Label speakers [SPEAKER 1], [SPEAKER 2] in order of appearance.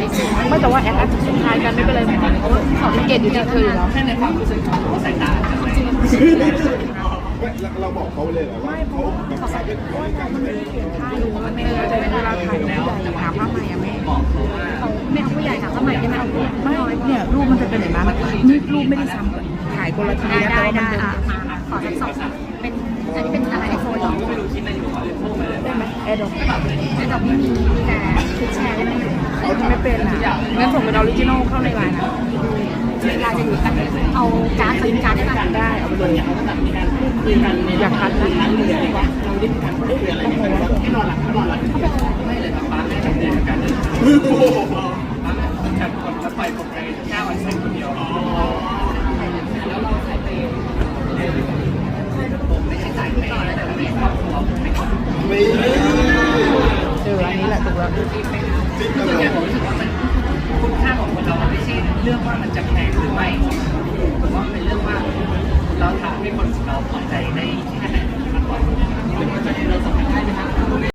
[SPEAKER 1] ไม่แต่ว่าแอดสุดท้ายกันไม่เป็นไรเหมือนกันเพราะว่าเขาเก่งอยู่ที่เธออยู่แล้ว
[SPEAKER 2] แค่ในความรู้สึกของสายตาจะไม่
[SPEAKER 3] เราบอกเขาเลยเหรอว่าเขาแบบใส่เป็นคนกันเลย
[SPEAKER 1] ถ้ารู้ว่าแม่จะเป็นเวลาถ่ายผู้ใหญ่หาผ้าใหม่อะแม่
[SPEAKER 2] บอกเขาว่า
[SPEAKER 1] ไม่เอาผู้ใหญ่ค่ะผ้าใหม่ได้ไหมเอาไม่เนี่ยรูปมันจะเป็นอย่างนั้นนี่รูปไม่ได้ซ้ำกันถ่ายคนละทีนะแต่ว่ามันเป็น
[SPEAKER 4] ขอทั้งสองเป็นอันนี้เป็นอะไรไอโฟนหรอ
[SPEAKER 2] ไม่รู้คิดอะไรอยู่ขอเลยพูดมาเลย
[SPEAKER 1] ได้ไหมแอร์ดอก
[SPEAKER 4] ไอดอกไม่มีแต่คือแชร์ได้ไหม
[SPEAKER 1] ไม่เป็นอ่ะงั้นส่งเป็นออริจินอลเข้าในไลน์นะ
[SPEAKER 4] เวลาจะอยู่กันเอาการ์ดสลิปการ์ดได้ไหม
[SPEAKER 1] ได้เอาไปเลย
[SPEAKER 2] คุยกัน
[SPEAKER 1] อยากคัดนะ
[SPEAKER 2] นั้นเลยว่าเราได้มีการพูดคุยอะไรกันให้นอนหลับไม่เลยครับป้าแม่ทำเดือนกันป้าแม่จัดคนแล้วปล่อยผมไป9 วันเสร็จคนเดียวแล้วเราใส่ไปผมไม่ใช่สายเปย์แต่ไม่ครอบครัวไม่ครอบครัว
[SPEAKER 3] ไม่
[SPEAKER 1] อันนี้แหละถูกแล้ว
[SPEAKER 2] คือเนี่ยผมรู้สึกว่ามันคุณค่าของคนเรามันไม่ใช่เรื่องว่ามันจะแพงหรือไม่ผมว่าเป็นเรื่องว่าเราทำให้คนเราพอใจได้แค่